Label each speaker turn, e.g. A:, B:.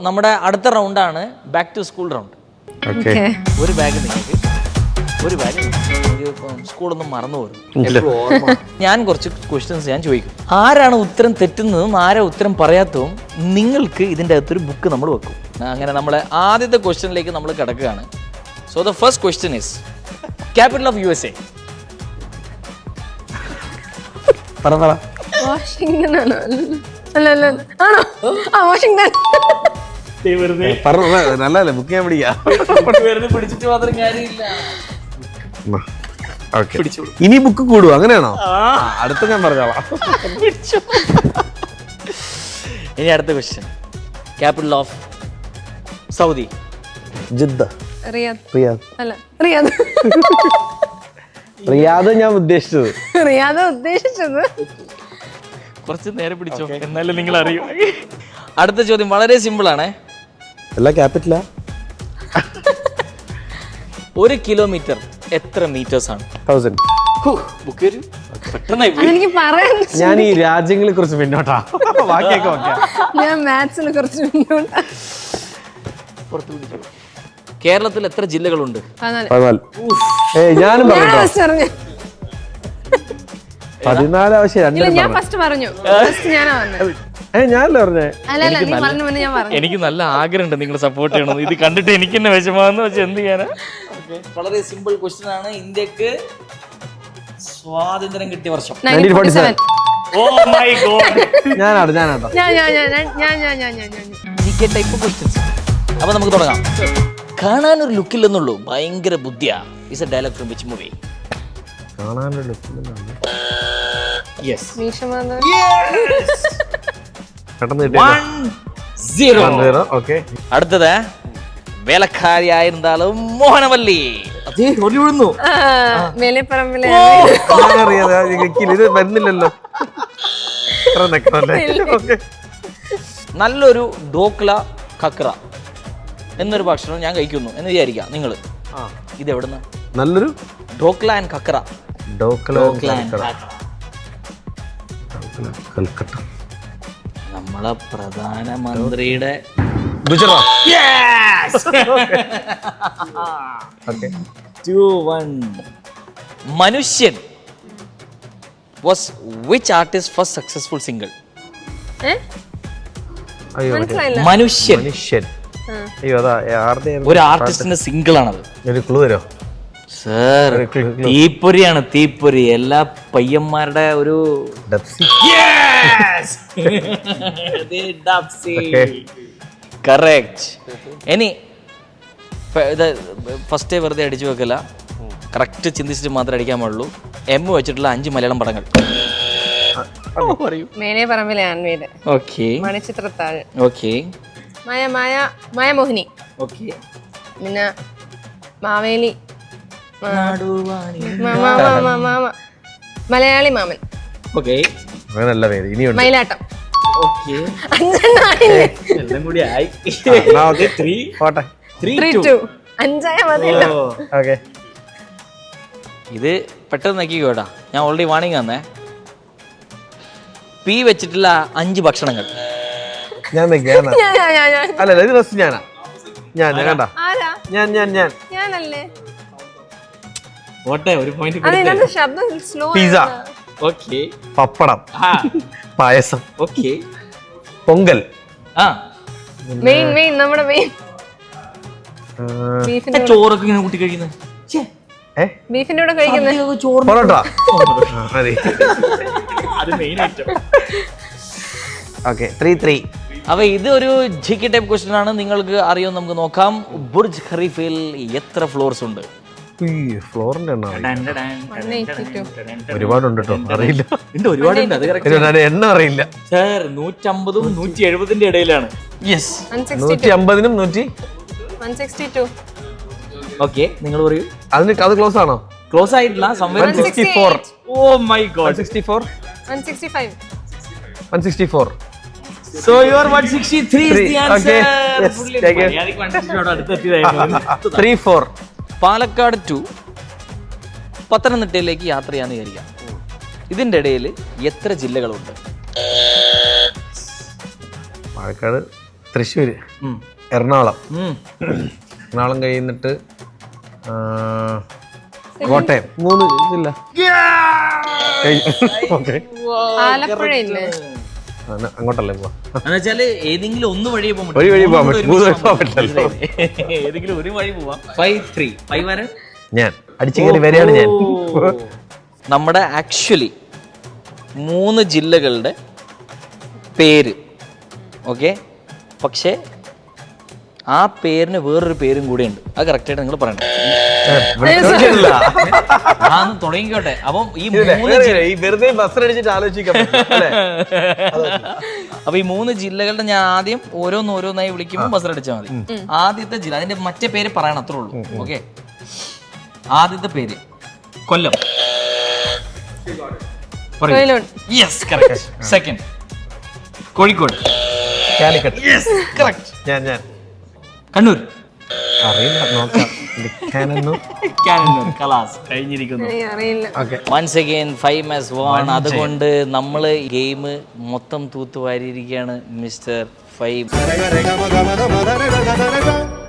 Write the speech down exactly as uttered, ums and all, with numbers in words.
A: നമ്മുടെ അടുത്ത റൗണ്ടാണ് ബാക്ക് ടു സ്കൂൾ റൗണ്ട്. ഒരു ബാഗ് നിങ്ങൾക്ക്, ഒരു ബാഗ് സ്കൂളൊന്നും മറന്നു പോകും. ഞാൻ കുറച്ച് ക്വസ്റ്റ്യൻസ് ഞാൻ ചോദിക്കും. ആരാണ് ഉത്തരം തെറ്റുന്നതും ആരാ ഉത്തരം പറയാത്തതും നിങ്ങൾക്ക് ഇതിൻ്റെ അകത്തൊരു ബുക്ക് നമ്മൾ വെക്കും. അങ്ങനെ നമ്മളെ ആദ്യത്തെ ക്വസ്റ്റ്യനിലേക്ക് നമ്മൾ കിടക്കുകയാണ്. So the first question is capital of U S A.
B: Washington ആണോ? അല്ല അല്ല ആണോ? ആ വാഷിംഗ്ടൺ.
C: നല്ലല്ലേ ബുക്ക് ചെയ്യാൻ പിടിക്കാം.
A: പിടിച്ചിട്ട് മാത്രം കാര്യമില്ല.
C: ഇനി ബുക്ക് കൂടുവോ? അങ്ങനെയാണോ? അടുത്ത ഞാൻ പറഞ്ഞോളാം.
A: ഇനി അടുത്ത question. Capital of Saudi.
C: Jeddah.
B: Riyadh.
C: Riyadh
B: അല്ല റിയാദ്.
C: റിയാദ് ഞാൻ ഉദ്ദേശിച്ചത്.
B: റിയാദ് ഉദ്ദേശിച്ചത്.
A: കുറച്ച് നേരെ പിടിച്ചോ, എന്നാലും നിങ്ങൾ അറിയൂ. അടുത്ത ചോദ്യം വളരെ സിമ്പിൾ ആണ്.
C: എല്ലാ ക്യാപിറ്റലാ?
A: ഒരു കിലോമീറ്റർ എത്ര മീറ്റേഴ്സ് ആണ്?
C: തൗസൻഡ്.
B: എനിക്ക് പറയാൻ
C: ഞാൻ ഈ രാജ്യങ്ങളെ കുറിച്ച് പിന്നോട്ടാ. ബാക്കിയൊക്കെ ഓക്കെ.
B: ഞാൻ മാത്സിനെ കുറിച്ച് പിന്നോട്ടാ.
A: കേരളത്തിൽ എത്ര ജില്ലകളുണ്ട്?
C: ഞാനും പതിനാല് ആവശ്യം.
B: ഞാൻ ഫസ്റ്റ് പറഞ്ഞു. ഞാനാ പറഞ്ഞത്.
C: ഞാനല്ലേ പറഞ്ഞേ?
A: എനിക്ക് നല്ല ആഗ്രഹമുണ്ട് നിങ്ങൾ സപ്പോർട്ട് ചെയ്യണം. ഇത് കണ്ടിട്ട് എനിക്ക് തന്നെ വിഷമാന്ന് വെച്ചാൽ എന്ത് ചെയ്യാനാ? വളരെ സിമ്പിൾ ക്വസ്റ്റ്യൻ ആണ്. ഇന്ത്യക്ക് സ്വാതന്ത്ര്യം കിട്ടിയ വർഷം. Oh my god.
C: ഞാനാണ് ഞാനാട്ടോ.
A: Type questions. അപ്പൊ നമുക്ക് തുടങ്ങാം. കാണാനൊരു ലുക്കില്ലെന്നുള്ളൂ, ഭയങ്കര ബുദ്ധിയാ. Is a dialogue from which movie?
C: കാണാനൊരു ലുക്കില്ലെന്നുള്ളൂ.
A: യെസ്. അടുത്തത് വേലക്കാരിയായിരുന്നാലും മോഹനവല്ലി.
C: ഇത് വരുന്നില്ലല്ലോ.
A: നല്ലൊരു ഡോക്ല കക്ര എന്നൊരു ഭക്ഷണം ഞാൻ കഴിക്കുന്നു എന്ന് വിചാരിക്കാം നിങ്ങൾ. ഇത് എവിടുന്ന?
C: നല്ലൊരു
A: ഡോക്ല ആൻഡ് കക്ര.
C: കൽക്കട്ട.
A: നമ്മളെ പ്രധാനമന്ത്രിയുടെ മനുഷ്യൻ was which artist first successful single? മനുഷ്യൻ
C: മനുഷ്യൻ
A: ഒരു ആർട്ടിസ്റ്റിന്റെ സിംഗിൾ ആണത്.
C: ഒരു ക്ലൂ തരോ
A: സർ? തീപ്പൊരിയാണ്, തീപ്പൊരി. എല്ലാ പയ്യന്മാരുടെ ഒരു കറക്റ്റ്. ഇനി ഇത് ഫസ്റ്റ് വെറുതെ അടിച്ചു വെക്കല, കറക്റ്റ് ചിന്തിച്ചിട്ട് മാത്രമേ അടിക്കാൻ പാടുള്ളൂ. എം വെച്ചിട്ടുള്ള അഞ്ച് മലയാളം പടങ്ങൾ.
B: മണിച്ചിത്രത്താഴ്.
A: ഓക്കെ.
B: മായ മായ മായമോഹിനി.
A: ഓക്കെ.
B: പിന്നെ മാവേലി. മലയാളി മാമൻ.
A: ഓക്കെ.
C: നല്ല പേര്. ഇനിയുണ്ട്.
B: മയിലാട്ടം.
A: ഓക്കെ. എല്ലാം കൂടി ആയി.
B: അഞ്ചായ മതി.
C: ഓക്കെ.
A: ഇത് പെട്ടെന്ന് നോക്കിക്കോട്ടാ. ഞാൻ ഓൾറെഡി വാണിംഗ് തന്നേ. പി വെച്ചിട്ടുള്ള അഞ്ച് ഭക്ഷണങ്ങൾ.
C: ഞാൻ അല്ലല്ല, ഇത് ഫസ്റ്റ് ഞാനാ. ഞാൻ കണ്ട ഞാൻ ഞാൻ ഞാൻ
B: ഞാനല്ലേ?
A: ഓട്ടെ, ഒരു point.
C: Pizza.
A: Okay.
C: Pappadam. Payasam.
A: Okay.
C: Pongal.
A: ആ
B: മെയിൻ മെയിൻ നമ്മുടെ മെയിൻ
A: ചോറൊക്കെ ഇങ്ങനെ കൂട്ടി കഴിക്കുന്നത്.
B: ബീഫിന്റെ കൂടെ കഴിക്കുന്നത്
C: പൊറോട്ട. ഓക്കെ. Three three.
A: അപ്പൊ ഇത് ഒരു ജി കെ ടൈപ്പ് ക്വസ്റ്റ്യൻ ആണ്. നിങ്ങൾക്ക് അറിയാം, നമുക്ക് നോക്കാം. ബുർജ് ഖലീഫയിൽ എത്ര ഫ്ലോർസ് ഉണ്ട്?
C: ഫ്ലോറിന്റെ ഒരുപാടുണ്ട് കേട്ടോ, അറിയില്ല.
A: ഒരുപാടുണ്ട്, അത്
C: എണ്ണ അറിയില്ല
A: സാർ. നൂറ്റമ്പതും നൂറ്റി എഴുപതിന്റെ ഇടയിലാണ്. യെസ്.
C: നൂറ്റി അമ്പതിനും നൂറ്റി
A: ഓക്കെ. നിങ്ങൾ പറയൂ.
C: അതിന് അത് ക്ലോസ് ആണോ?
A: ക്ലോസ് ആയിട്ടില്ല. Oh my god.
B: one sixty-five.
C: one sixty-four.
A: So you are one sixty-three is the answer.
C: Yes, take it. three four.
A: Palakkad to പത്തനംതിട്ടയിലേക്ക് യാത്ര ചെയ്യാന്ന് വിചാരിക്കാം. ഇതിന്റെ ഇടയിൽ എത്ര ജില്ലകളുണ്ട്?
C: പാലക്കാട് തൃശ്ശൂര്, എറണാകുളം, എറണാകുളം കഴിയുന്നിട്ട് കോട്ടയം, മൂന്ന് ജില്ല. ഓക്കെ,
B: ആലപ്പുഴ ഇല്ലേ?
C: അങ്ങോട്ടല്ലേ പോവാ?
A: എന്നുവെച്ചാല് ഏതെങ്കിലും ഒന്ന് വഴി പോകാൻ
C: ഒരു വഴി പോകാൻ പറ്റും, മൂന്ന് വഴി പോകാൻ പറ്റില്ല.
A: ഏതെങ്കിലും ഒരു വഴി പോവാം. ഫൈവ് ത്രീ ഫൈവ് വരെ
C: ഞാൻ അടിച്ചു കയറി വരെയാണ് ഞാൻ.
A: നമ്മുടെ ആക്ച്വലി മൂന്ന് ജില്ലകളുടെ പേര്, ഓക്കെ, പക്ഷേ ആ പേരിന് വേറൊരു പേരും കൂടെ ഉണ്ട്. അത് കറക്റ്റായിട്ട് നിങ്ങൾ പറയണം. ആന്ന് തുടങ്ങിക്കോട്ടെ. അപ്പം ഈ മൂന്ന്
C: വെറുതെ ബസ്സിനടിച്ചിട്ട് ആലോചിക്കാം.
A: അപ്പൊ ഈ മൂന്ന് ജില്ലകളുടെ ഞാൻ ആദ്യം ഓരോന്ന് ഓരോന്നായി വിളിക്കുമ്പോൾ ബസ്സിലടിച്ചാൽ മതി. ആദ്യത്തെ ജില്ല, അതിന്റെ മറ്റേ പേര് പറയണം, അത്രേ ഉള്ളൂ. ഓക്കെ, ആദ്യത്തെ പേര് Kollam. Yes, correct. Second Kozhikode.
C: Calicut.
A: Yes, correct.
C: ഞാൻ ഞാൻ
A: കണ്ണൂർ.
C: അറിയില്ല, നോക്കാം.
A: കലാസ് കഴിഞ്ഞിരിക്കുന്നു.
B: അറിയില്ല.
A: Once again five as one. അതുകൊണ്ട് നമ്മൾ ഗെയിം മൊത്തം തൂത്തുവാരിയിരിക്കുകയാണ് മിസ്റ്റർ ഫൈവ്.